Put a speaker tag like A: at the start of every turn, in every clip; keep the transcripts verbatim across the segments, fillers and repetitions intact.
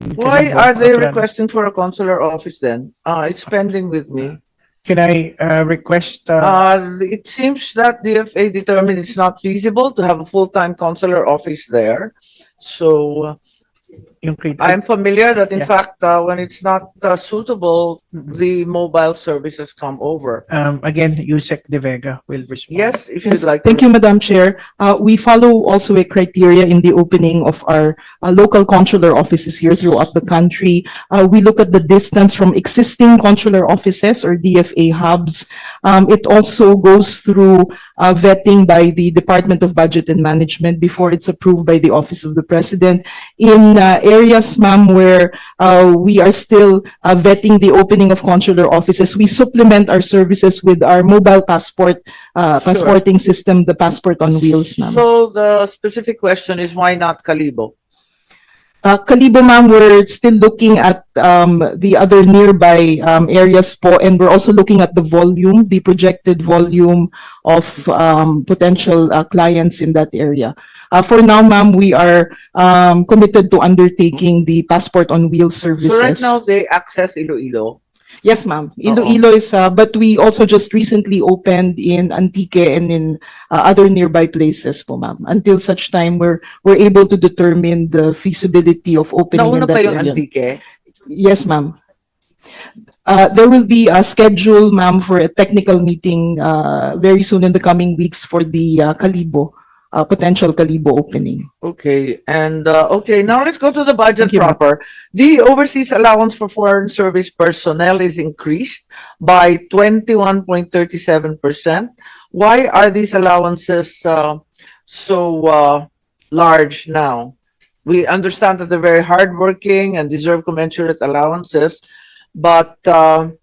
A: Why are they requesting for a consular office then? Uh, it's pending with me.
B: Can I uh, request? Uh,
A: Uh, it seems that D F A determined it's not feasible to have a full-time consular office there. So uh,
B: yung kay-
A: I'm familiar that in
B: Yeah.
A: fact, uh, when it's not uh, suitable,
B: Mhm.
A: the mobile services come over.
B: um, again, Yusek De Vega will respond.
A: Yes, if
C: Yes,
A: you'd like.
C: thank
A: to.
C: you, Madam Chair. Uh, we follow also a criteria in the opening of our uh, local consular offices here throughout the country. Uh, we look at the distance from existing consular offices or D F A hubs. Um, it also goes through uh, vetting by the Department of Budget and Management before it's approved by the Office of the President. In uh, areas, ma'am, where uh, we are still uh, vetting the opening of consular offices, we supplement our services with our mobile passport uh,
A: Sure.
C: passporting system, the passport on wheels, ma'am.
A: So the specific question is why not Kalibo?
C: Uh, Kalibo, ma'am, we're still looking at um, the other nearby um, areas po, and we're also looking at the volume, the projected volume of um, potential uh, clients in that area. Uh, for now, ma'am, we are um, committed to undertaking the passport on wheels services.
A: So right now they access Iloilo.
C: Yes, ma'am. Iloilo is, uh, but we also just recently opened in Antique and in uh, other nearby places po, ma'am. Until such time we're we're able to determine the feasibility of opening
A: Nauna
C: in
A: pa
C: that
A: yung
C: area.
A: Antique.
C: Yes, ma'am. Uh, there will be a schedule, ma'am, for a technical meeting uh, very soon in the coming weeks for the uh, Kalibo, uh, potential Kalibo opening.
A: Okay, and uh, okay, now let's go to the budget
C: Thank you, ma'am.
A: proper. The overseas allowance for foreign service personnel is increased by twenty-one point three seven percent. Why are these allowances uh, so uh, large now? We understand that they're very hardworking and deserve commensurate allowances, but uh,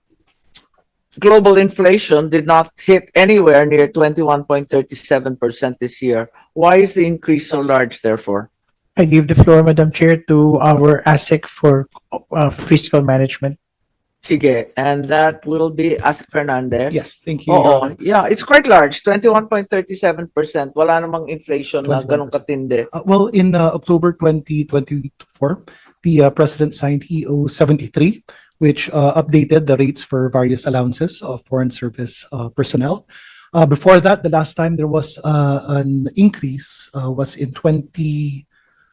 A: global inflation did not hit anywhere near twenty-one point three seven percent this year. Why is the increase so large, therefore?
B: I give the floor, Madam Chair, to our ASEC for uh, fiscal management.
A: Sige, and that will be Asik Fernandez.
D: Yes, thank you. Your
A: Oo,
D: Honor.
A: yeah, it's quite large, twenty-one point three seven percent. Wala namang inflation na ganun
D: twenty-one percent.
A: katindi.
D: Uh, well, in uh, October twenty twenty-four, the uh, President signed E O seventy-three, which uh, updated the rates for various allowances of foreign service uh, personnel. Uh, before that, the last time there was uh, an increase uh, was in twenty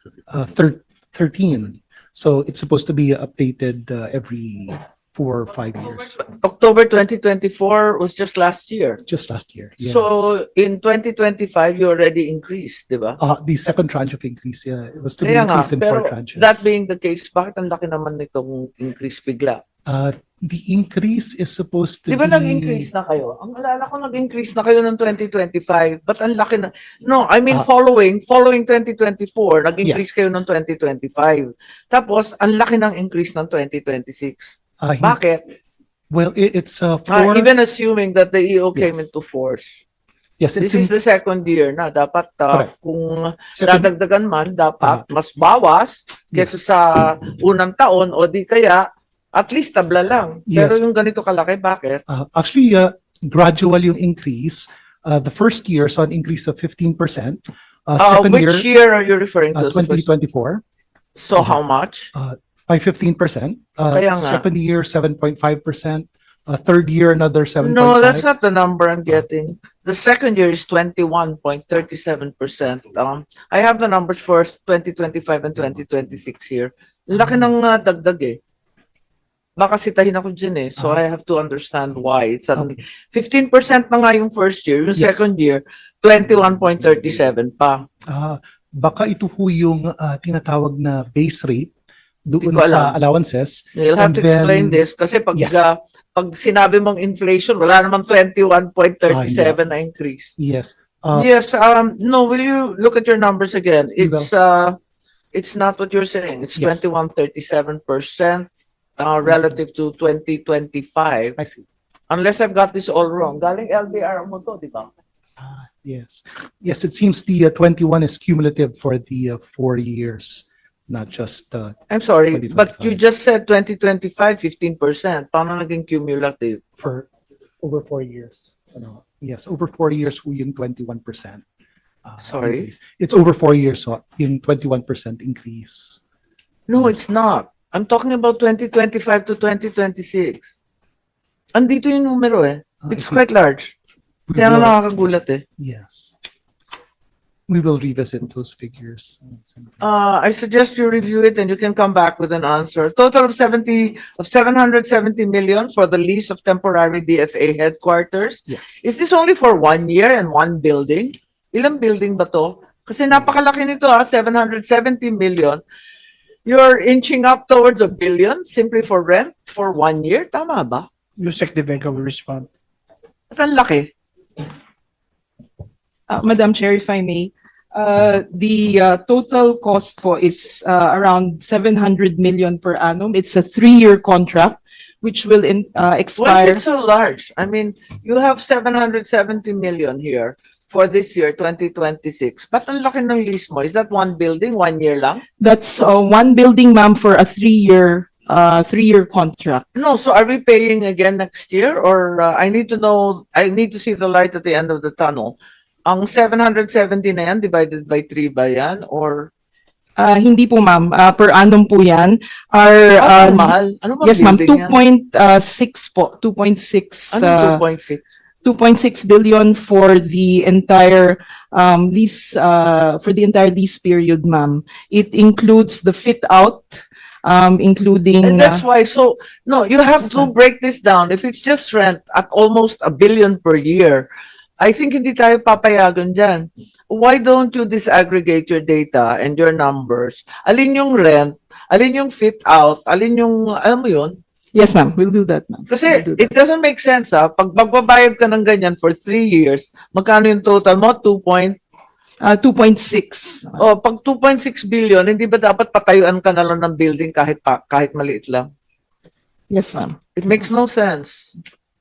D: thirteen. So it's supposed to be updated uh, every four or five years,
A: October twenty twenty-four was just last year.
D: just last year. Yes.
A: So in twenty twenty-five, you already increased, di ba?
D: Uh, the second tranche of increase, yeah, it was to be
A: Kaya nga,
D: increased in four
A: pero
D: tranches.
A: that being the case, bakit ang laki naman nitong increase bigla?
D: Uh, the increase is supposed to
A: Di ba
D: be.
A: nag-increase na kayo? Ang alala ko nag-increase na kayo ng twenty twenty-five, but ang laki na. No, I mean
D: Ah.
A: following, following twenty twenty-four, nag-increase
D: Yes.
A: kayo ng twenty twenty-five. Tapos, ang laki ng increase ng twenty twenty-six.
D: Uh, hin-
A: Bakit?
D: Well, it, it's uh,
A: Ah,
D: four.
A: even assuming that the E O came
D: Yes.
A: into force.
D: Yes, it's
A: This is
D: in
A: the second year na. Dapat ah,
D: Correct.
A: kung
D: second.
A: dadagdagan man, dapat
D: Ah.
A: mas bawas kesa
D: Yes.
A: sa unang taon o di kaya at least tabla lang. Pero
D: Yes.
A: yung ganito kalaki, bakit?
D: Uh, actually, uh, gradual yung increase. Uh, the first year saw an increase of fifteen percent. Uh,
A: Ah,
D: second year,
A: which year are you referring to?
D: uh, twenty twenty-four,
A: So how much?
D: by fifteen percent. Uh,
A: Kaya nga.
D: second year, seven point five percent. Uh, third year, another seven point five.
A: No, that's not the number I'm getting. The second year is twenty-one point three seven percent. Um, I have the numbers for twenty twenty-five and twenty twenty-six here. Laki ng uh, dagdag eh. Baka sitahin ako dyan eh. So I have to understand why. It's suddenly fifteen percent na nga yung first year. Yung
D: Yes.
A: second year, twenty-one point three seven pa.
D: Ah, baka ito ho yung uh, tinatawag na base rate doon
A: Hindi ko
D: sa
A: alam.
D: allowances.
A: You'll have
D: And
A: to explain
D: then-
A: this kasi pag
D: Yes.
A: uh, pag sinabi mong inflation, wala namang twenty-one point three seven na increase.
D: Yes. Uh,
A: Yes, um, no, will you look at your numbers again?
D: We
A: It's, uh, it's not what you're saying. It's
D: Yes.
A: twenty-one thirty-seven percent, uh, relative to twenty twenty-five.
D: I see.
A: Unless I've got this all wrong. Galing L D R mo to, di ba?
D: Ah, yes. Yes, it seems the uh, twenty-one is cumulative for the uh, four years, not just uh,
A: I'm sorry, but you
D: twenty twenty-five.
A: just said twenty twenty-five, fifteen percent. Paano naging cumulative?
D: for over four years. Ano, yes, over four years ho yung twenty-one percent. Uh,
A: Sorry?
D: increase. It's over four years, so yung twenty-one percent increase.
A: No, it's not. I'm talking about twenty twenty-five to twenty twenty-six. Andito yung numero eh.
D: Uh,
A: It's
D: I think
A: quite large.
D: we
A: Kaya nga
D: will-
A: nakakagulat eh.
D: Yes. We will revisit those figures.
A: Uh, I suggest you review it and you can come back with an answer. Total of seventy, of seven hundred seventy million for the lease of temporary D F A headquarters.
D: Yes.
A: Is this only for one year and one building? Ilang building ba to? Kasi napakalaki nito ah, seven hundred seventy million. You're inching up towards a billion simply for rent for one year. Tama ba?
B: Yusek De Vega will respond.
A: At ang laki.
C: Uh, Madam Chair, if I may, uh, the uh, total cost po is uh, around seven hundred million per annum. It's a three-year contract which will in, uh,
A: Why
C: expire.
A: is it so large? I mean, you have seven hundred seventy million here for this year, twenty twenty-six. Ba't ang laki ng lease mo? Is that one building, one year lang?
C: That's uh, one building, ma'am, for a three-year, uh, three-year contract.
A: No, so are we paying again next year? Or uh, I need to know, I need to see the light at the end of the tunnel. Ang seven hundred seventy na yan, divided by three ba yan? Or,
C: Uh, hindi po, ma'am. Uh, per annum po yan. Our,
A: ah,
C: uh,
A: mahal? Ano ba
C: yes, ma'am.
A: building
C: two
A: yan?
C: point six po. two point six.
A: Ano
C: uh,
A: two point six?
C: two point six billion for the entire um, lease, uh, for the entire lease period, ma'am. It includes the fit out, um, including.
A: And that's
C: uh,
A: why, so, no, you have to break this down. If it's just rent at almost a billion per year, I think hindi tayo papayagan dyan. Why don't you disaggregate your data and your numbers? Alin yung rent, alin yung fit out, alin yung, alam mo yun?
C: Yes, ma'am. We'll do that, ma'am.
A: Kasi
C: We'll do that.
A: it doesn't make sense ah. Pag magbabayad ka ng ganyan for three years, magkano yung total mo? two point,
C: Uh, two point six.
A: oh, pag two point six billion, hindi ba dapat patayuan ka na lang ng building kahit pa, kahit maliit lang?
C: Yes, ma'am.
A: It makes no sense.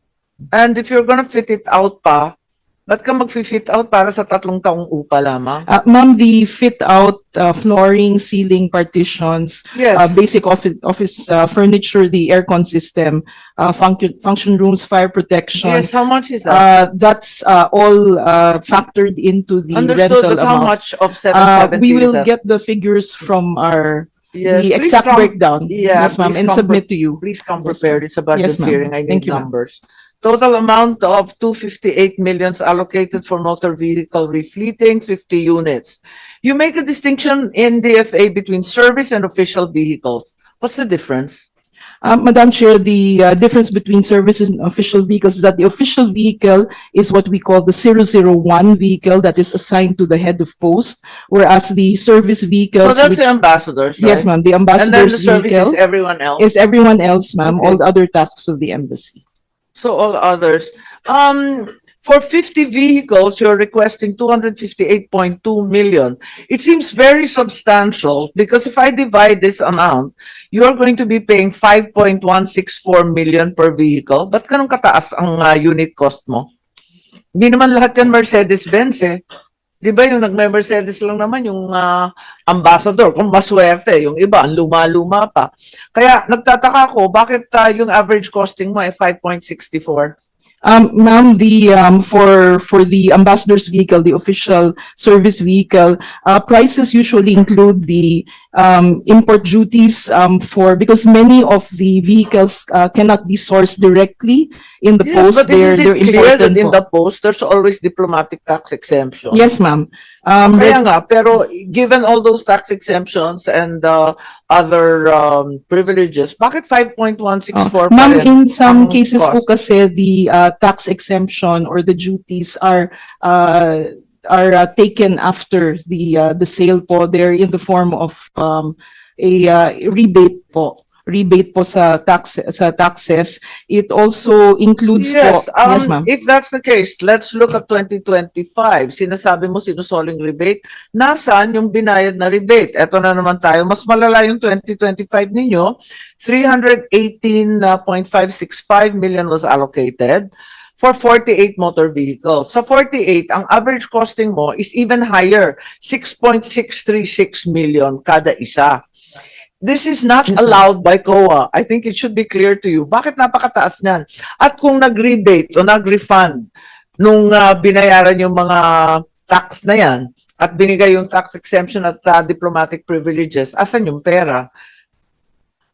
A: And if you're gonna fit it out pa, ba't ka mag-fit out para sa tatlong taong upa lamang?
C: Uh, ma'am, the fit out, uh, flooring, ceiling, partitions,
A: Yes.
C: uh, basic office, office uh, furniture, the aircon system, uh, function, function rooms, fire protection.
A: Yes, how much is that?
C: Uh, that's uh, all uh, factored into the
A: Understood,
C: rental
A: but how
C: amount.
A: much of seven
C: Uh,
A: seventy
C: we
A: is
C: will
A: that?
C: get the figures from our,
A: Yes,
C: the
A: please
C: exact
A: come-
C: breakdown.
A: Yeah,
C: Yes, ma'am,
A: please
C: and
A: come
C: submit to you.
A: Please come
C: Yes,
A: prepared. It's a budget
C: Yes, ma'am.
A: hearing. I
C: Thank
A: need
C: you, ma'am.
A: numbers. Total amount of two hundred fifty-eight millions allocated for motor vehicle refleeting, fifty units. You make a distinction in D F A between service and official vehicles. What's the difference?
C: Uh, Madam Chair, the uh, difference between services and official vehicles is that the official vehicle is what we call the zero zero one vehicle that is assigned to the head of post, whereas the service
A: So
C: vehicles,
A: that's
C: which-
A: the ambassadors, right?
C: yes, ma'am, the
A: And then the
C: ambassador's
A: service is
C: vehicle
A: everyone else.
C: is everyone else, ma'am,
A: Okay.
C: all the other tasks of the embassy.
A: So all others. Um, for fifty vehicles, you're requesting two hundred fifty-eight point two million. It seems very substantial because if I divide this amount, you're going to be paying five point one six four million per vehicle. Ba't ganun kataas ang uh, unit cost mo? Hindi naman lahat yan Mercedes-Benz eh. Di ba yung nagme-Mercedes lang naman yung uh, ambassador, kung maswerte, yung iba, ang luma-luma pa. Kaya nagtataka ko, bakit uh, yung average costing mo ay five point six four?
C: Um, ma'am, the, um, for, for the ambassador's vehicle, the official service vehicle, uh, prices usually include the, um, import duties, um, for, because many of the vehicles, uh, cannot be sourced directly in the
A: Yes,
C: post.
A: but
C: They're,
A: isn't
C: they're
A: it clear that
C: imported
A: in
C: po.
A: the post, there's always diplomatic tax exemption?
C: Yes, ma'am. Um,
A: Kaya nga, pero given all those tax exemptions and uh, other um, privileges, bakit five point one six four
C: Oh,
A: pa
C: ma'am,
A: rin?
C: in some
A: ang
C: cases po
A: cost?
C: kasi the uh, tax exemption or the duties are uh, are uh, taken after the uh, the sale po. They're in the form of um, a uh, rebate po. Rebate po sa tax sa taxes. It also includes
A: Yes,
C: po.
A: um,
C: Yes, ma'am.
A: if that's the case, let's look at twenty twenty-five. Sinasabi mo sinusoling rebate. Nasaan yung binayad na rebate? Eto na naman tayo. Mas malala yung twenty twenty-five ninyo. three hundred eighteen point five six five million was allocated for forty-eight motor vehicles. Sa forty-eight, ang average costing mo is even higher, six point six three six million kada isa. This is not
C: Yes, ma'am.
A: allowed by C O A. I think it should be clear to you. Bakit napakataas niyan? At kung nag-rebate o nag-refund nung uh, binayaran yung mga tax na yan at binigay yung tax exemption at uh, diplomatic privileges, asan yung pera?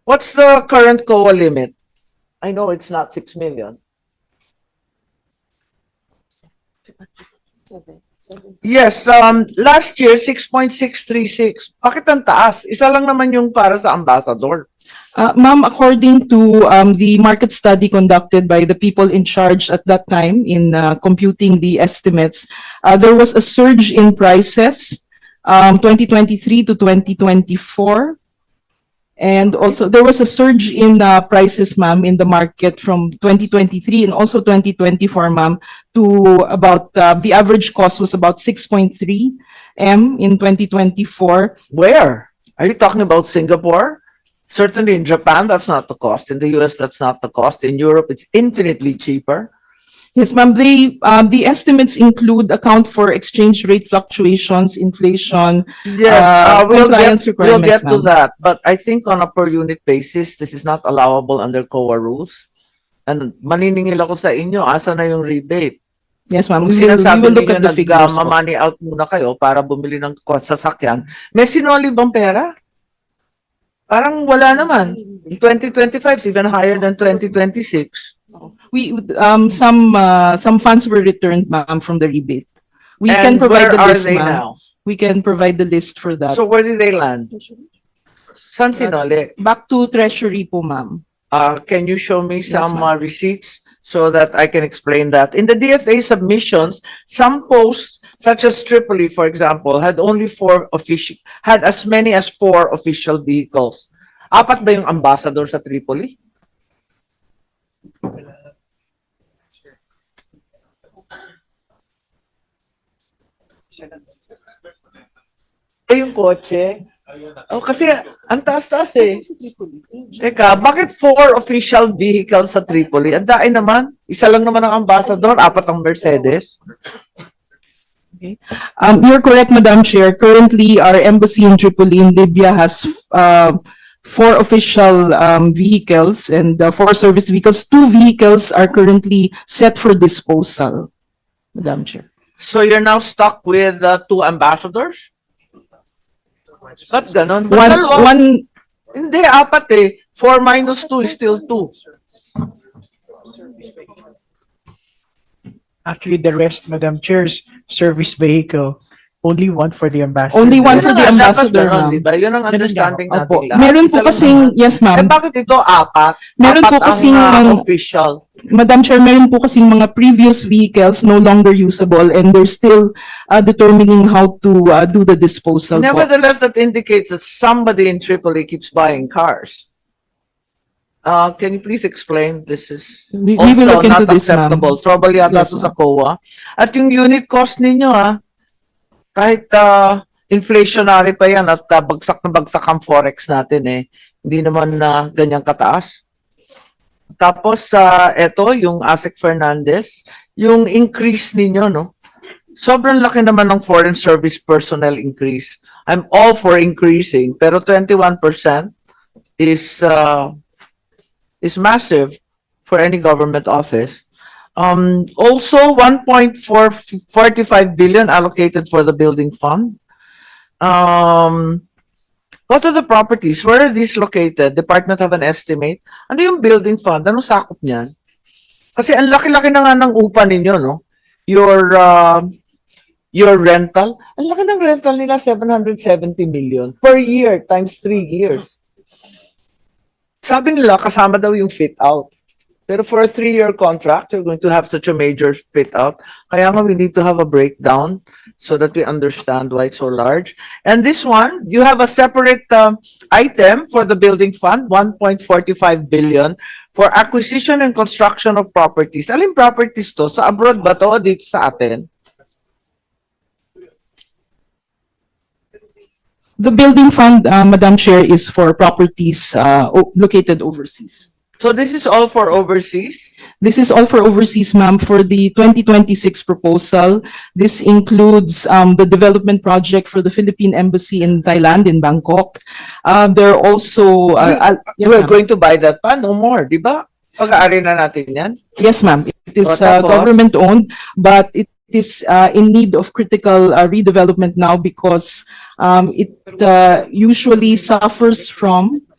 A: What's the current C O A limit? I know it's not six million. Yes, um, last year, six point six three six. Bakit ang taas? Isa lang naman yung para sa ambassador.
C: Uh, ma'am, according to um, the market study conducted by the people in charge at that time in uh, computing the estimates, uh, there was a surge in prices um, twenty twenty-three to twenty twenty-four. And also, there was a surge in uh, prices, ma'am, in the market from twenty twenty-three and also twenty twenty-four, ma'am, to about, uh, the average cost was about six point three M in twenty twenty-four.
A: Where? Are you talking about Singapore? Certainly in Japan, that's not the cost. In the U S, that's not the cost. In Europe, it's infinitely cheaper.
C: Yes, ma'am. The, um, the estimates include account for exchange rate fluctuations, inflation.
A: Yes,
C: Uh,
A: uh, we'll
C: compliance
A: get, we'll
C: requirements,
A: get to
C: ma'am.
A: that. But I think on a per unit basis, this is not allowable under C O A rules. And maniningil ako sa inyo, asa na yung rebate?
C: Yes, ma'am.
A: Kung
C: We will, we
A: sinasabi
C: will look
A: ninyo
C: at the figures. po.
A: nag-money out muna kayo para bumili ng kwa- sasakyan, may sinoli bang pera? Parang wala naman. In twenty twenty-five, it's even higher than twenty twenty-six.
C: We, um, some, uh, some funds were returned, ma'am, from the rebate. We can
A: And
C: provide
A: where
C: the
A: are
C: list,
A: they
C: ma'am.
A: now?
C: We can provide the list for that.
A: So where did they land? San sinoli?
C: Back to treasury po, ma'am.
A: Uh, can you show me some
C: ma'am.
A: uh, receipts so that I can explain that? In the D F A submissions, some posts, such as Tripoli, for example, had only four official, had as many as four official vehicles. Apat ba yung ambassador sa Tripoli? Eh, yung kotse? Oh, kasi ang taas-taas eh. Teka, bakit four official vehicles sa Tripoli? Ang dai naman. Isa lang naman ang ambassador, apat ang Mercedes.
C: Um, you're correct, Madam Chair. Currently, our embassy in Tripoli in Libya has, uh, four official, um, vehicles and uh, four service vehicles. Two vehicles are currently set for disposal, Madam Chair.
A: So you're now stuck with uh, two ambassadors? Ba't ganon? Ba't
C: One,
A: dalawa?
C: one,
A: Hindi, apat eh. Four minus two is still two.
B: Actually, the rest, Madam Chair's service vehicle, only one for the ambassador.
C: Only one
A: Yun
C: for
A: ang
C: the
A: dapat
C: ambassador,
A: ganon,
C: ma'am.
A: di ba? Yun ang
B: Ganun
A: understanding
B: nga.
A: natin
C: Opo.
A: lahat.
C: Meron
A: Isa
C: po
A: lang
C: kasing,
A: naman.
C: yes,
A: Eh,
C: ma'am.
A: bakit ito apat?
C: Meron
A: apat
C: po
A: ang,
C: kasing,
A: uh,
C: um,
A: official.
C: Madam Chair, meron po kasing mga previous vehicles no longer usable and they're still uh, determining how to uh, do the disposal po.
A: Nevertheless, that indicates that somebody in Tripoli keeps buying cars. Uh, can you please explain? This is
C: We, we will
A: also
C: look into
A: not
C: this, ma'am.
A: acceptable. Trouble yata
C: Yes,
A: to sa C O A. At yung unit cost ninyo, ah, kahit uh, inflationary pa yan at uh, bagsak na bagsak ang forex natin eh. Hindi naman na ganyang kataas. Tapos, uh, eto, yung Asik Fernandez, yung increase ninyo, no? Sobrang laki naman ng foreign service personnel increase. I'm all for increasing, pero twenty-one percent is uh, is massive for any government office. Um, also, one point four five billion allocated for the building fund. Um, what are the properties? Where are these located? Department have an estimate? Ano yung building fund? Ano sakop niyan? Kasi ang laki-laki na nga ng upa ninyo, no? Your, uh, your rental. Ang laki ng rental nila, seven hundred seventy million per year times three years. Sabi nila, kasama daw yung fit out. Pero for a three-year contract, you're going to have such a major fit out. Kaya nga we need to have a breakdown so that we understand why it's so large. And this one, you have a separate um, item for the building fund, one point four five billion for acquisition and construction of properties. Alin properties to? Sa abroad ba to o dito sa atin?
C: The building fund, uh, Madam Chair, is for properties uh, o- located overseas.
A: So this is all for overseas?
C: This is all for overseas, ma'am. For the twenty twenty-six proposal, this includes um, the development project for the Philippine Embassy in Thailand, in Bangkok. Uh, There are also, uh, uh, yes,
A: We're
C: ma'am.
A: going to buy that pa? No more, di ba? Pag-aari na natin yan.
C: Yes, ma'am. It is
A: O,
C: uh,
A: tapos?
C: government-owned, but it is uh, in need of critical uh, redevelopment now because um, it uh, usually suffers from